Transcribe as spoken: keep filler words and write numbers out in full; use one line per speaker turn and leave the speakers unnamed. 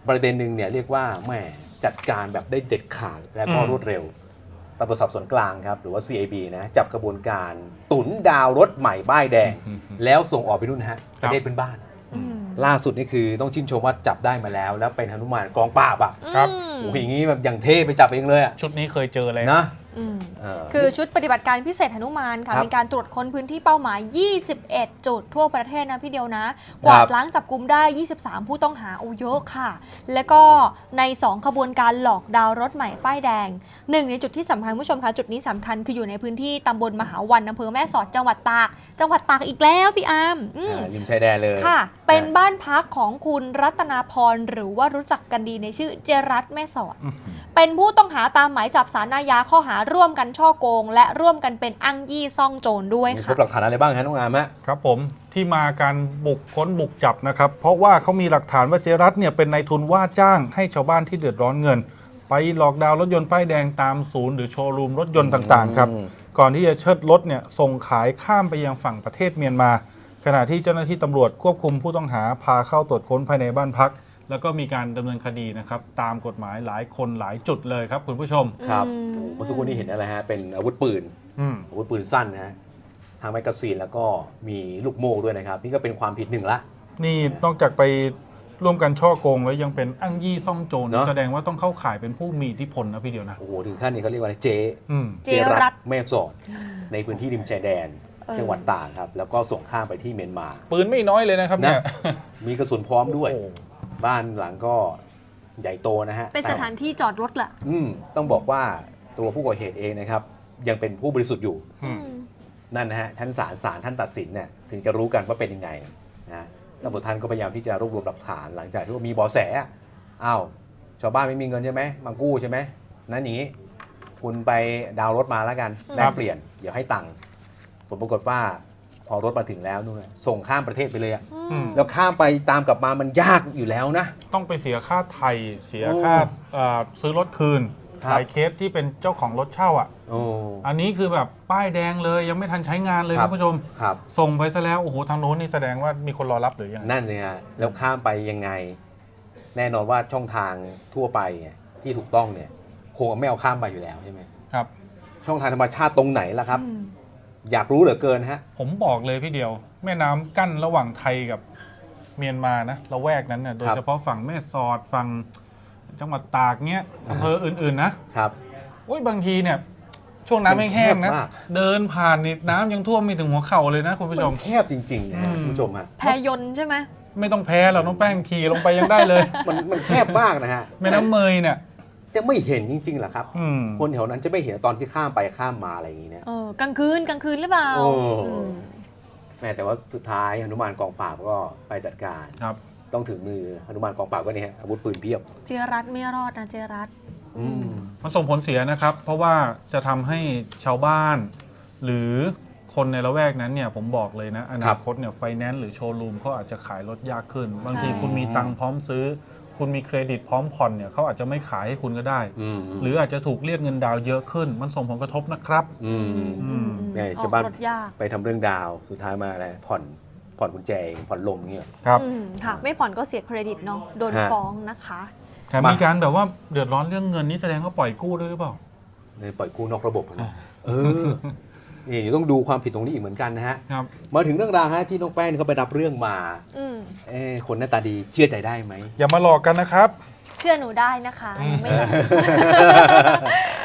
ประเด็นหนึ่งเนี่ยเรียกว่าแหมจัดการแบบได้เด็ดขาดและก็รวดเร็วตำรวจสอบสวนกลางครับหรือว่า ซี ไอ บี นะจับกระบวนการตุนดาวรถใหม่ป้ายแดง แล้วส่งออกไปนู่นนะฮะประเทศเพื่อนบ้านล่าสุดนี่คือต้องชื่นชมว่าจับได้มาแล้ว แล้วเป็นหนุมานกองปราบอ่ะ
ครับ
โอ้โหอย่างนี้แบบอย่างเท่ไปจับเองเลยอ่ะ
ชุดนี้เคยเจอเลย
นะ
คือชุดปฏิบัติการพิเศษหนุมานค่ะมีการตรวจค้นพื้นที่เป้าหมายยี่สิบเอ็ดจุดทั่วประเทศนะพี่เดียวนะกวาดล้างจับกุมได้ยี่สิบสามผู้ต้องหาโอ้เยอะค่ะแล้วก็ในสองขบวนการหลอกดาวรถใหม่ป้ายแดงหนึ่งในจุดที่สำคัญผู้ชมคะจุดนี้สำคัญคืออยู่ในพื้นที่ตำบลมหาวันอำเภอแม่สอดจังหวัดตากจังหวัดตากอีกแล้วพี่อาร์ม
ริมชายแดนเลย
ค่ะเป็นบ้านพักของคุณรัตนาพรหรือว่ารู้จักกันดีในชื่อเจรัตแม่สอดเป็นผู้ต้องหาตามหมายจับศาลอาญาข้อหาร่วมกันช่อโกงและร่วมกันเป็นอ้างยี่ซ่องโจรด้วยค่ะ
พบหลักฐานอะไรบ้างฮะน้องอามฮะ
ครับผมที่มาการบุกค้นบุกจับนะครับเพราะว่าเขามีหลักฐานว่าเจรัตเนี่ยเป็นนายทุนว่าจ้างให้ชาวบ้านที่เดือดร้อนเงินไปหลอกดาวรถยนต์ป้ายแดงตามศูนย์หรือโชว์รูมรถยนต์ต่างๆครับก่อนที่จะเชิดรถเนี่ยส่งขายข้ามไปยังฝั่งประเทศเมียนมาขณะที่เจ้าหน้าที่ตำรวจควบคุมผู้ต้องหาพาเข้าตรวจค้นภายในบ้านพักแล้วก็มีการดำเนินคดีนะครับตามกฎหมายหลายคนหลายจุดเลยครับคุณผู้ชม
ครับเมื่อสักครู่นี้เห็นอะไรฮะเป็นอาวุธปืนอาวุธปืนสั้นนะฮะทางแมกกาซีนแล้วก็มีลูกโม่ด้วยนะครับนี่ก็เป็นความผิดหนึ่งละ
นี่นอกจากไปร่วมกันช่อโกงแล้วยังเป็นอ้างยี่ซ่องโจรแสดงว่าต้องเข้าข่ายเป็นผู้มีอิทธิพลนะพี่เดียวนะ
โอ้โหถึงขั้นนี้เขาเรียกว่าเจ
เจรัต
แม่สอดในพื้นที่ริมชายแดนจังหวัดตากครับแล้วก็ส่งข้ามไปที่เมียนมา
ปืนไม่น้อยเลยนะครับเนี่ย
มีกระสุนพร้อมด้วยบ้านหลังก็ใหญ่โตนะฮะ
เป็นสถานที่จอดรถแหละ
อืมต้องบอกว่าตัวผู้ก่อเหตุเองนะครับยังเป็นผู้บริสุทธิ์อยู่นั่นนะฮะชั้นศาลศาลท่านตัดสินเนี่ยถึงจะรู้กันว่าเป็นยังไงนะตำรวจท่านก็พยายามที่จะรวบรวมหลักฐานหลังจากที่ว่ามีเบาะแสอ้าวชาวบ้านไม่มีเงินใช่ไหมมากู้ใช่ไหมนั่นอย่างนี้คุณไปดาวรถมาแล้วกันแลกเปลี่ยนเดี๋ยวให้ตังค์ผลปรากฏว่าพอรถมาถึงแล้วนู่นส่งข้ามประเทศไปเลยอะแล้วข้ามไปตามกลับมามันยากอยู่แล้วนะ
ต้องไปเสียค่าไทยเสียค่าซื้อรถคืนหลายเคสที่เป็นเจ้าของรถเช่าอ่ะอันนี้คือแบบป้ายแดงเลยยังไม่ทันใช้งานเลยคุณผู้ชมส่งไปซะแล้วโอ้โหทางโน้นนี่แสดงว่ามีคนรอรับหรือยัง
นั่นเลยฮะแล้วข้ามไปยังไงแน่นอนว่าช่องทางทั่วไปเนี่ยที่ถูกต้องเนี่ยคงไม่เอาข้ามไปอยู่แล้วใช่ไหม
ครับ
ช่องทางธรรมชาติตรงไหนล่ะครับอยากรู้เหลือเกินฮะ
ผมบอกเลยพี่เดียวแม่น้ำกั้นระหว่างไทยกับเมียนมานะละแวกนั้นเนี่ยโดยเฉพาะฝั่งแม่สอดฝั่งจังหวัดตากเนี้ยอำเภออื่นๆนะครับโอ้ยบางทีเนี่ยช่วงน้ำแห้งๆนะเดินผ่านนี่น้ำยังท่วมมีถึงหัวเข่าเลยนะคุณผู้ชม
แคบจริงๆนะคุณผู้ชมฮะ
แพยนต์ใช่ไหม
ไม่ต้องแพ้เราต้องแป้งขี่ลงไปยังได้เลย
มันมันแคบมากนะฮะ
แม่น้ำเมยเนี่ย
จะไม่เห็นจริงๆเหรอครับคนแถวนั้นจะไม่เห็นตอนที่ข้ามไปข้ามมาอะไรอย่างนี้เนี่ย
กลางคืนกลางคืนหรือเปล่า
แม่แต่ว่าสุดท้ายหนุมานกองปราบก็ไปจัดการ
ครับ
ต้องถึงมือหนุมานกองปราบก็นี่ฮะอาวุธปืนเพียบ
เจรัตไม่รอดนะเจรัต
มันส่งผลเสียนะครับเพราะว่าจะทำให้ชาวบ้านหรือคนในละแวกนั้นเนี่ยผมบอกเลยนะอนาคตเนี่ยไฟแนนซ์หรือโชว์รูมเขาอาจจะขายรถยากขึ้นบางทีคุณมีตังค์พร้อมซื้อคุณมีเครดิตพร้อมผ่อนเนี่ยเขาอาจจะไม่ขายให้คุณก็ได้หรืออาจจะถูกเรียกเงินดาวเยอะขึ้นมันส่งผลกระทบนะครับ
เนี่ยชาวบ้านไปทำเรื่องดาวสุดท้ายมาอะไรผ่อนผ่อนกุญแจผ่อนลมเงี้ย
ครับ
ค่ะไม่ผ่อนก็เสียเครดิตเนาะโดนฟ้องนะคะ
แต่มีการแบบว่าเดือดร้อนเรื่องเงินนี่แสดงว่าปล่อยกู้ด้วยหรือเปล่า
เนี่ยปล่อยกู้นอกระบบนะเออนี่ต้องดูความผิดตรงนี้อีกเหมือนกันนะฮะมาถึงเรื่องราวฮะที่น้องแป้งเขาไปรับเรื่องมาเออคนหน้าตาดีเชื่อใจได้ไหม
อย่ามาหลอกกันนะครับ
เชื่อหนูได้นะคะไม่หลอก